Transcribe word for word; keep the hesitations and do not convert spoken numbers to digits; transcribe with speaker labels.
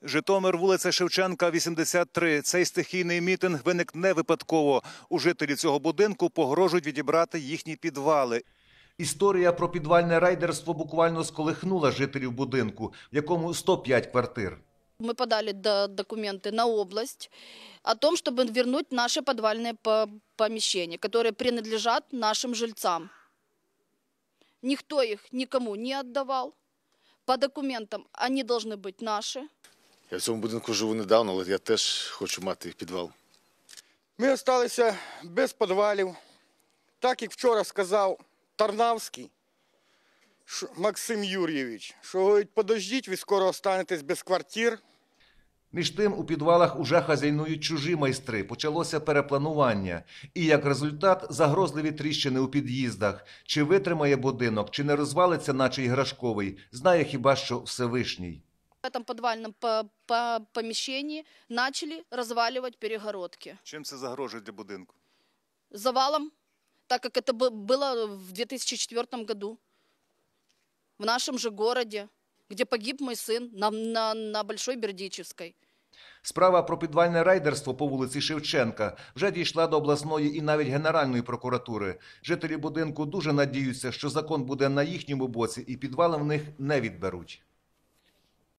Speaker 1: Житомир, вулиця Шевченка, вісімдесят три. Цей стихійний мітинг виник не випадково. У жителі цього будинку погрожують відібрати їхні підвали. Історія про підвальне рейдерство буквально сколихнула жителів будинку, в якому сто п'ять квартир.
Speaker 2: Мы подали документы на область о том, чтобы вернуть наши подвальные помещения, которые принадлежат нашим жильцам. Никто их никому не отдавал. По документам они должны быть наши.
Speaker 3: Я в цьому будинку живу недавно, але я теж хочу мати підвал.
Speaker 4: Ми залишилися без підвалів. Так, як вчора сказав Тарнавський Максим Юрійович, що, говорить, подождіть, ви скоро останетесь без квартир.
Speaker 1: Між тим, у підвалах уже хазяйнують чужі майстри. Почалося перепланування. І, як результат, загрозливі тріщини у під'їздах. Чи витримає будинок, чи не розвалиться, наче іграшковий, знає хіба що Всевишній.
Speaker 2: В этом подвальном помещении начали разваливать перегородки.
Speaker 1: Чим це загрожує для будинку?
Speaker 2: Завалом, так как это было в две тысячи четвёртом году. В нашем же городе, где погиб мой сын на, на, на Большой Бердичевской.
Speaker 1: Справа про підвальне рейдерство по вулиці Шевченка вже дійшла до обласної і навіть Генеральної прокуратури. Жителі будинку дуже надіються, що закон буде на їхньому боці і підвали в них не відберуть.